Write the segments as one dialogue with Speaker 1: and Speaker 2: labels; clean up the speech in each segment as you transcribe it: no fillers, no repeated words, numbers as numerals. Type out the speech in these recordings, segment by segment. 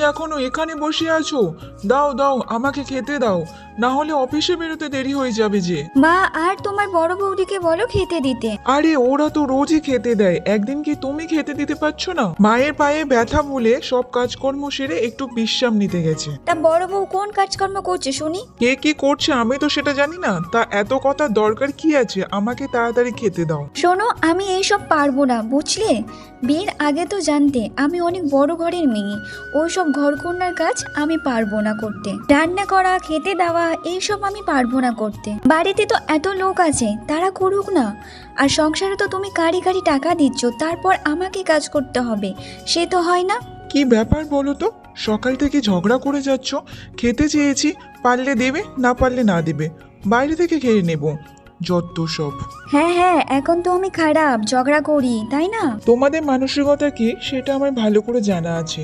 Speaker 1: এখনো এখানে বসে আছো? দাও দাও, আমাকে খেতে দাও, না হলে অফিসে বেরোতে দেরি হয়ে যাবে যে।
Speaker 2: মা আর তোমার বড় বৌদিকে বলো খেতে দিতে।
Speaker 1: আরে ওরা তো রোজই খেতে দেয়, একদিন কি তুমি খেতে দিতে পারছো না? মায়ের পায়ে ব্যথা বলে সব কাজকর্ম সেরে একটু বিশ্রাম নিতে গেছে।
Speaker 2: তা বড় বউ কোন কাজকর্ম করছে শুনি?
Speaker 1: কে কি করছে আমি তো সেটা জানি না, তা এত কথা দরকার কি আছে? আমাকে তাড়াতাড়ি খেতে দাও।
Speaker 2: শোনো, আমি এইসব পারবো না, বুঝলে? বিয়ের আগে তো জানতে আমি অনেক বড় ঘরের মেয়ে। ওইসব ঘরকন্যার কাজ আমি পারবো না করতে। রান্না করা, খেতে দেওয়া, এইসব আমি পারবো না করতে। বাড়িতে তো এত লোক আছে, তারা করুক না। আর সংসারে তো তুমি কারি কারি টাকা দিচ্ছ, তারপর আমাকে কাজ করতে হবে, সে তো হয় না।
Speaker 1: কি ব্যাপার বলো তো? সকাল থেকে ঝগড়া করে যাচ্ছ। খেতে চেয়েছি, পারলে দেবে, না পারলে না দেবে, বাইরে থেকে খেয়ে নেব। যত সব।
Speaker 2: হ্যাঁ হ্যাঁ, এখন তো আমি খারাপ, ঝগড়া করি, তাই না?
Speaker 1: তোমাদের মানসিকতা কি সেটা আমার ভালো করে জানা আছে।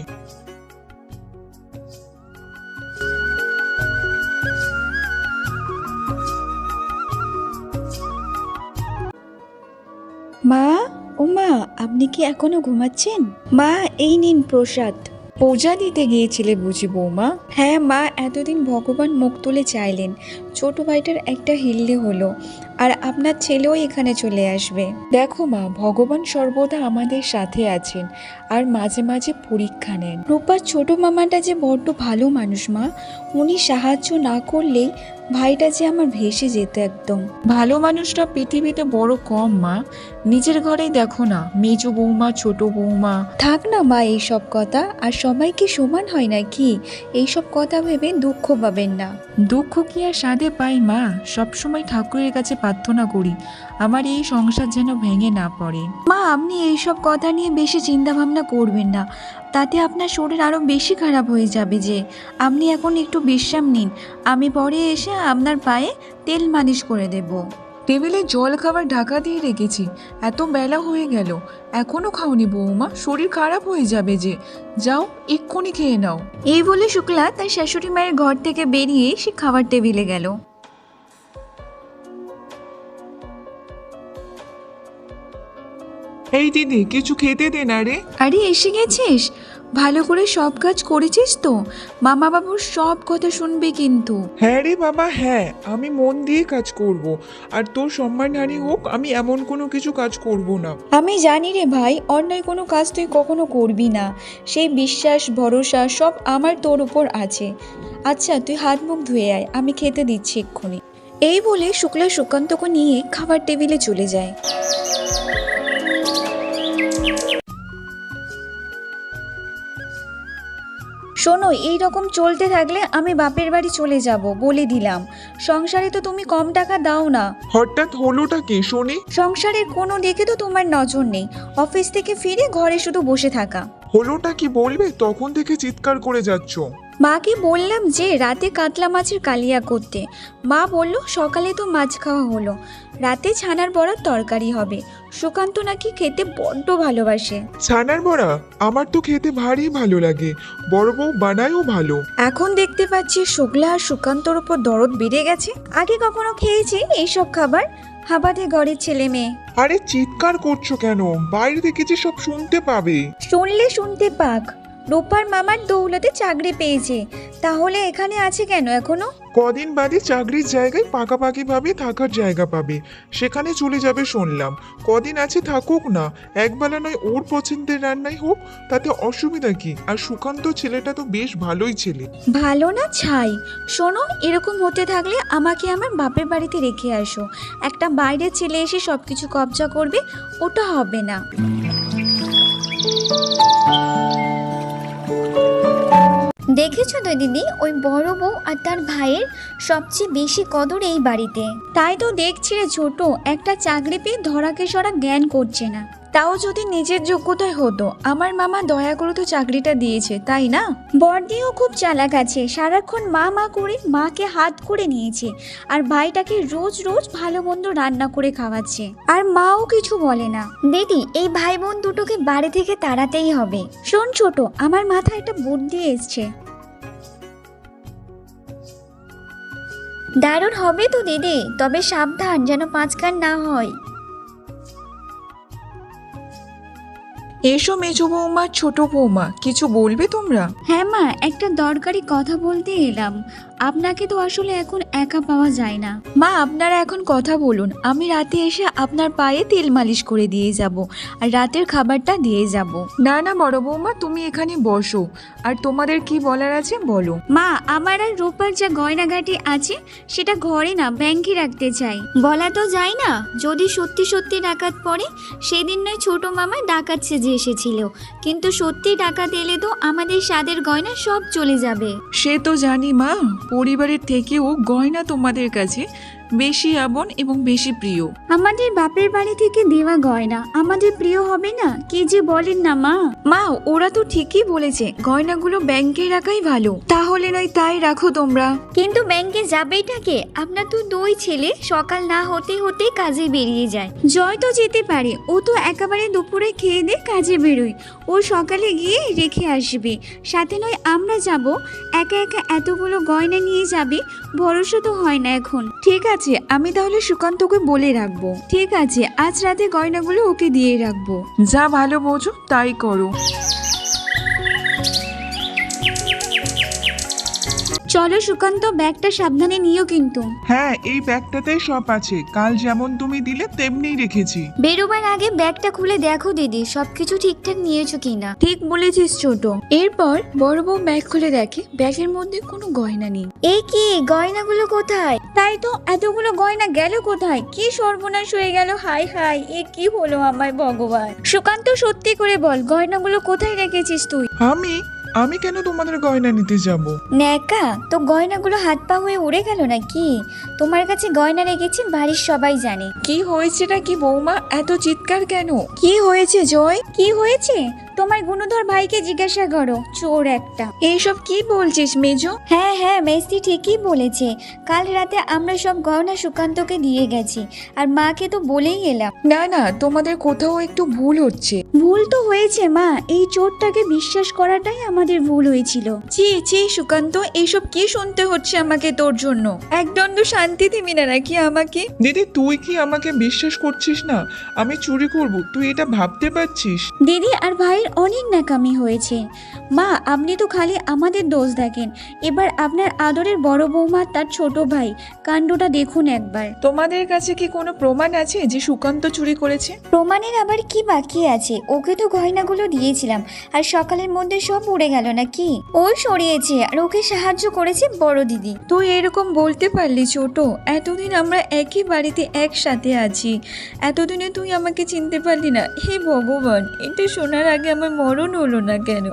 Speaker 2: মা, ও মা, আপনি কি এখনো ঘুমাচ্ছেন? মা, এই নিন প্রসাদ।
Speaker 3: পূজা দিতে গিয়েছিলে বুঝি বৌমা?
Speaker 2: হ্যাঁ মা, এতদিন ভগবান মুখ তুলে চাইলেন, ছোট ভাইটার একটা হিল্লে হলো, আর আপনার ছেলেও এখানে চলে আসবে।
Speaker 3: দেখো মা, ভগবান সর্বদা আমাদের সাথে আছেন আর মাঝে মাঝে পরীক্ষা নেন।
Speaker 2: রূপার ছোট মামাটা যে বড্ড ভালো মানুষ মা, উনি সাহায্য না করলেই ভাইটা যে আমার ভেসে যেত একদম।
Speaker 3: ভালো মানুষটা পৃথিবীতে বড় কম মা। নিজের ঘরেই দেখো না, মেজো বৌমা, ছোট বৌমা।
Speaker 2: থাক না মা এইসব কথা, আর সবাই কি সমান হয় নাকি? এইসব কথা ভেবে দুঃখ পাবেন না।
Speaker 3: দুঃখ কি আর সাধে পাই মা? সবসময় ঠাকুরের কাছে প্রার্থনা করি আমার এই সংসার যেন ভেঙে না পড়ে।
Speaker 2: মা, আপনি এইসব কথা নিয়ে বেশি চিন্তা ভাবনা করবেন না, তাতে আপনার শরীর আরো বেশি খারাপ হয়ে যাবে যে। আপনি এখন একটু বিশ্রাম নিন, আমি পরে এসে আপনার পায়ে তেল মালিশ করে দেব।
Speaker 3: টেবিলে জল খাবার ঢাকা দিয়ে রেখেছি, এত বেলা হয়ে গেল, এখনো খাওনি বৌমা? শরীর খারাপ হয়ে যাবে যে। যাও, এক্ষুনি খেয়ে নাও।
Speaker 2: এই বলে শুক্লা তার শাশুড়ি মায়ের ঘর থেকে বেরিয়ে সে খাবার টেবিলে গেল।
Speaker 1: এই দিদি, কিছু খেতে দে না রে।
Speaker 2: আরে এসে গেছিস? ভালো করে সব কাজ করেছিস তো? মামা বাবুর সব কথা শুনবে কিন্তু।
Speaker 1: হ্যাঁ রে বাবা, হ্যাঁ, আমি মন দিয়ে কাজ করব। আর তোর সম্মানহানি হোক, আমি এমন কোনো কিছু কাজ করব না।
Speaker 2: আমি জানি রে ভাই, অন্যায় কোনো কাজ তুই কখনো করবি না, সেই বিশ্বাস ভরসা সব আমার তোর উপর আছে। আচ্ছা, তুই হাত মুখ ধুয়ে আয়, আমি খেতে দিচ্ছি এক্ষুনি। এই বলে শুক্লা সুকান্তকে নিয়ে খাবার টেবিলে চলে যায়। শোনো, এই রকম চলতে থাকলে আমি বাপের বাড়ি চলে যাব, বলে দিলাম। সংসারে তো তুমি কম টাকা দাও না।
Speaker 1: হঠাৎ হলোটা কি শুনি?
Speaker 2: সংসারের কোনো দিকে তো তোমার নজর নেই, অফিস থেকে ফিরে ঘরে শুধু বসে থাকা।
Speaker 1: হলোটা কি বলবে? তখন থেকে চিৎকার করে যাচ্ছ।
Speaker 2: মাকে বললাম যে রাতে কাতলা মাছের কালিয়া করতে, মা বলল সকালে তো মাছ খাওয়া হলো, রাতে ছানার বড়ার তরকারি হবে। সুকান্ত নাকি খেতে বড্ড ভালোবাসে।
Speaker 1: ছানার বড়া? আমার তো খেতে ভারী ভালো লাগে, বড় বউ বানায়ও ভালো।
Speaker 2: এখন দেখতে পাচ্ছি শুক্লা আর সুকান্তর উপর দরদ বেড়ে গেছে। আগে কখনো খেয়েছি এইসব খাবার? হাবাতে ঘরের ছেলে মেয়ে।
Speaker 1: আরে চিৎকার করছো কেন? বাইরে থেকে যে সব শুনতে পাবে।
Speaker 2: শুনলে শুনতে পাক, রূপার মামার দৌলতে চাকরি পেয়েছে, তাহলে এখানে আছে কেন এখনো?
Speaker 1: কদিন বাদে চাকরির জায়গায় পাকাপাকি ভাবে থাকার জায়গা পাবে, সেখানে চলে যাবে শুনলাম। কদিন আছে থাকুক না, একবেলা নয় ওর পছন্দের রান্নাই হোক, তাতে অসুবিধা কি? আর সুকান্ত ছেলেটা তো বেশ ভালোই ছেলে।
Speaker 2: ভালো না ছাই। শোনো, এরকম হতে থাকলে আমাকে আমার বাপের বাড়িতে রেখে আসো। একটা বাইরের ছেলে এসে সবকিছু কবজা করবে, ওটা হবে না। দেখেছো তো দিদি, ওই বড় বউ আর তার ভাইয়ের সবচেয়ে বেশি কদর এই বাড়িতে। তাই তো দেখছি রে ছোট, একটা চাকরি পেয়ে ধরাকে সরা জ্ঞান করছে না। তাও যদি নিজের যোগ্যতায় হতো, আমার মামা দয়া করে তো চাকরিটা দিয়েছে, তাই না? বড়দিও খুব চালাক আছে, সারাক্ষণ মা মা করে মাকে হাত করে নিয়েছে, আর ভাইটাকে রোজ রোজ ভালো মন্দ রান্না করে খাওয়াচ্ছে, আর মাও কিছু বলে না। দিদি, এই ভাই বোন দুটোকে বাড়ি থেকে তাড়াতেই হবে। শোন ছোট, আমার মাথায় একটা বুদ্ধি এসছে। দারুণ হবে তো দিদি, তবে সাবধান যেন পাঁচ কান না হয়।
Speaker 3: এসো মেজো বৌমা, ছোট বৌমা, কিছু বলবে তোমরা?
Speaker 2: হ্যাঁ মা, একটা দরকারি কথা বলতে এলাম। আপনাকে তো আসলে এখন একা পাওয়া যায় না।
Speaker 3: মা, আপনারা এখন কথা বলুন, আমি রাতে এসে আপনার পায়ে তেল মালিশ করে দিয়ে যাব আর রাতের খাবারটা দিয়ে যাব। না না বড় বৌমা, তুমি এখানে বসো, আর তোমাদের কি বলার আছে বলো।
Speaker 2: মা, আমার আর রূপার যা গয়নাগাটি আছে সেটা ঘরে না ব্যাংকে রাখতে চাই। বলা তো যায় না, যদি সত্যি সত্যি ডাকাত পড়ে। সেদিন নয় ছোট মামা ডাকাত সেজে এসেছিল, কিন্তু সত্যি ডাকাত এলে তো আমাদের স্বাদের গয়না সব চলে যাবে।
Speaker 3: সে তো জানি মা, পরিবারের থেকেও গয়না তোমাদের কাছে বেশি আপন এবং বেশি প্রিয়।
Speaker 2: আমাদের বাপের বাড়ি থেকে দেওয়া গয়না আমাদের প্রিয় হবে না? কি যে বলেন না মা।
Speaker 3: মা, ওরা তো ঠিকই বলেছে, গয়নাগুলো ব্যাংকে রাখাই ভালো। তাহলে নয় তাই রাখো তোমরা।
Speaker 2: কিন্তু ব্যাংকে যাবেইটাকে? আপনার তো দুই ছেলে, সকাল না হতে হতে কাজে বেরিয়ে যায়। জয় তো যেতে পারে, ও তো একেবারে দুপুরে খেয়ে দিয়ে কাজে বেরোয়। ও সকালে গিয়ে রেখে আসবে, সাথে নয় আমরা যাব। একা একা এতগুলো গয়না নিয়ে যাবে, ভরসা তো হয় না এখন।
Speaker 3: ঠিক আছে, আমি তাহলে সুকান্তকে বলে রাখবো।
Speaker 2: ঠিক আছে, আজ রাতে গয়নাগুলো ওকে দিয়ে রাখবো।
Speaker 3: যা ভালো বোঝো তাই করো।
Speaker 2: চলো সুকান্ত, ব্যাগটা সাবধানে নিও কিন্তু।
Speaker 1: হ্যাঁ, এই ব্যাগটাতেই সব আছে, কাল যেমন তুমি দিলে তেমনিই রেখেছি।
Speaker 2: বেরোবার আগে ব্যাগটা খুলে দেখো দিদি, সবকিছু ঠিকঠাক নিয়েছো কিনা।
Speaker 3: ঠিক বলেছিস ছোট। এরপর বড় বউ ব্যাগ খুলে দেখে ব্যাগের মধ্যে কোনো গয়না নেই।
Speaker 2: এ কি, গয়নাগুলো কোথায়? তাই তো, এতগুলো গয়না গেল কোথায়? কি সর্বনাশ হয়ে গেল! হাই হাই, এ কি হলো আমার ভগবান! সুকান্ত, সত্যি করে বল, গয়নাগুলো কোথায় রেখেছিস তুই?
Speaker 1: আমি কেন তোমাদের গয়না নিতে যাব?
Speaker 2: ন্যাকা, তো গয়নাগুলো হাত পা হয়ে উড়ে গেল নাকি? তোমার কাছে গয়না রেখেছি বাড়ির সবাই জানে।
Speaker 3: কি হয়েছেটা কি বৌমা, এত চিৎকার কেন? কি হয়েছে জয়?
Speaker 2: কি হয়েছে? তোমার গুণধর ভাইকে জিজ্ঞাসা করো, চোর একটা।
Speaker 3: এইসব কি বলছিস মেজো?
Speaker 2: হ্যাঁ হ্যাঁ, মেসি ঠিকই বলেছে। কাল রাতে আমরা সব গয়না সুকান্তকে দিয়ে গেছি, আর মাকে তো বলেই এলাম।
Speaker 3: না না, তোমাদের কোথাও একটু ভুল হচ্ছে।
Speaker 2: ভুল তো হয়েছে মা, এই চোরটাকে বিশ্বাস করাটাই আমাদের ভুল হয়েছিল।
Speaker 3: ছি ছি সুকান্ত, এইসব কি শুনতে হচ্ছে আমাকে তোর জন্য? একদণ্ড শান্তি দিবি না নাকি আমাকে?
Speaker 1: দিদি, তুই কি আমাকে বিশ্বাস করছিস না? আমি চুরি করব, তুই এটা ভাবতে পারছিস?
Speaker 2: দিদি আর ভাইয়ের অনেক ন্যাকামি হয়েছে। মা, আপনি তো খালি আমাদের দোষ দেখেন। এবার আপনার আদরের বড় বৌমা তার ছোট ভাই কাণ্ডটা দেখুন একবার।
Speaker 3: তোমাদের কাছে কি কোনো প্রমাণ আছে যে সুকান্ত চুরি করেছে?
Speaker 2: প্রমাণের আবার কি বাকি আছে? ওকে তো গয়নাগুলো দিয়েছিলাম, আর সকালের মধ্যে সব উড়ে গেল নাকি? ও সরিয়েছে, আর ওকে সাহায্য করেছে বড় দিদি।
Speaker 3: তুই এরকম বলতে পারলি ছোট? এতদিন আমরা একই বাড়িতে একসাথে আছি, এতদিনে তুই আমাকে চিনতে পারলি না? হে ভগবান, এটা শোনার আগে আমার মরণ হলো না কেন?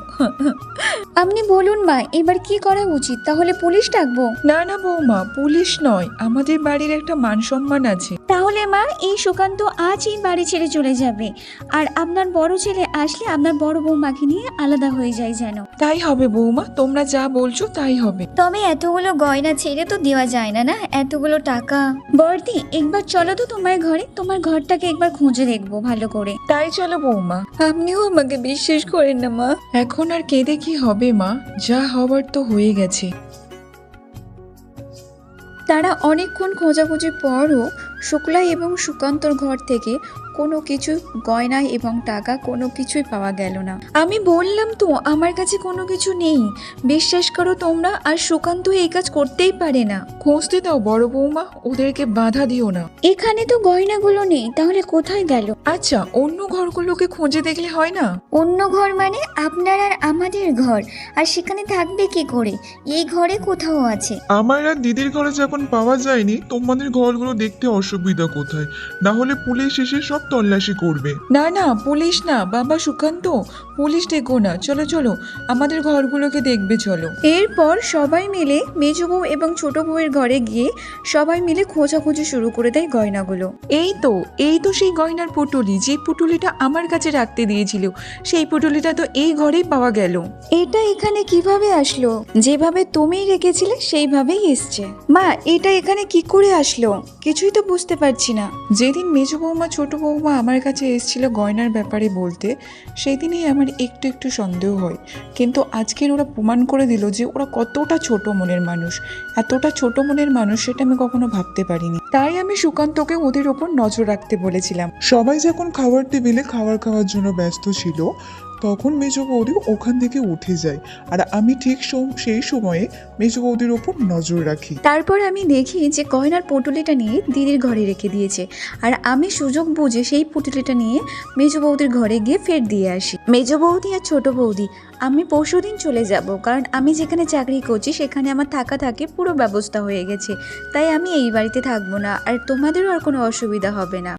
Speaker 2: আপনি বলুন মা, এবার কি করা উচিত? তাহলে পুলিশ ডাকবো?
Speaker 3: না না বৌমা, পুলিশ নয়, আমাদের বাড়ির একটা মান সম্মান আছে।
Speaker 2: তাহলে মা, এই সুকান্ত আজ এই বাড়ি ছেড়ে চলে যাবে, আর আপনার বড় ছেলে আসলে আপনার বড় বৌমাকে নিয়ে আলাদা হয়ে যায় যেন।
Speaker 3: তাই হবে বৌমা, তোমরা যা বলছো তাই হবে।
Speaker 2: তবে এতগুলো গয়না ছেড়ে তো দেওয়া যায় না, না এতগুলো টাকা। বর্দি, একবার চলো তো তোমার ঘরে, তোমার ঘরটাকে একবার খুঁজে দেখবো ভালো করে।
Speaker 3: তাই চলো বৌমা। আপনিও আমাকে বিশ্বাস করেন না মা? এখন আর কেঁদে কি হবে মা, যা হবার তো হয়ে গেছে। তারা অনেকক্ষণ খোঁজাখুঁজির পরও শুক্লা এবং সুকান্তর ঘর থেকে কোনো কিছু গয়না এবং টাকা কোনো কিছুই পাওয়া গেল না। আমি বললাম তো আমার কাছে কোনো কিছু নেই, বিশ্বাস করো তোমরা। আর সুকান্ত এই কাজ করতেই পারে না। খুঁজতে দাও বড় বৌমা, ওদেরকে বাধা দিও না।
Speaker 2: এখানে তো গয়নাগুলো নেই, তাহলে কোথায় গেল?
Speaker 3: আচ্ছা, অন্য ঘরগুলোকে খুঁজে দেখলে হয় না?
Speaker 2: অন্য ঘর মানে আপনার আর আমাদের ঘর, আর সেখানে থাকবে কি করে? এই ঘরে কোথাও আছে।
Speaker 1: আমার আর দিদির ঘরে যখন পাওয়া যায়নি, তোমাদের ঘরগুলো দেখতে অসুবিধা কোথায়? না হলে পুলিশ এসে সব তল্লাশি করবে।
Speaker 3: না না, পুলিশ না বাবা সুকান্ত, পুলিশ ডেকো না, চলো চলো আমাদের ঘরগুলোকে দেখবে চলো। এরপর সবাই মিলে মেজ বউ এবং ছোট বউয়ের ঘরে গিয়ে সবাই মিলে খোঁজাখুঁজি শুরু করে দেয় গয়নাগুলো। এই তো সেই গয়নার পুটুলি, যে পুটুলিটা আমার কাছে রাখতে দিয়েছিল, সেই পুটুলিটা তো এই ঘরেই পাওয়া গেল। এটা এখানে কিভাবে আসলো? যেভাবে তুমি রেখেছিলে সেইভাবেই এসছে। মা, এটা এখানে কি করে আসলো? কিছুই তো বুঝতে পারছি না। যেদিন মেজ বৌমা ছোট বৌমা আমার কাছে এসেছিল গয়নার ব্যাপারে বলতে, সেই দিনই আমার আমার একটু একটু সন্দেহ হয়, কিন্তু আজকের ওরা প্রমাণ করে দিল যে ওরা কতটা ছোট মনের মানুষ। এতটা ছোট মনের মানুষ সেটা আমি কখনো ভাবতে পারিনি। তাই আমি সুকান্তকে ওদের ওপর নজর রাখতে বলেছিলাম।
Speaker 1: সবাই যখন খাবার টেবিলে খাওয়ার জন্য ব্যস্ত ছিল, তখন মেজ বৌদি ওখান থেকে উঠে যায়। আর আমি ঠিক সেই সময়ে মেজ বৌদির ওপর নজর রাখি।
Speaker 2: তারপর আমি দেখি যে গয়নার পুটুলিটা নিয়ে দিদির ঘরে রেখে দিয়েছে, আর আমি সুযোগ বুঝে সেই পুটুলিটা নিয়ে মেজ বৌদির ঘরে গিয়ে ফের দিয়ে আসি। মেজ বৌদি আর ছোট বৌদি, আমি পরশুদিন চলে যাব, কারণ আমি যেখানে চাকরি করছি সেখানে আমার থাকা পুরো ব্যবস্থা হয়ে গেছে, তাই আমি এই বাড়িতে থাকবো না, আর তোমাদেরও আর কোনো অসুবিধা হবে না।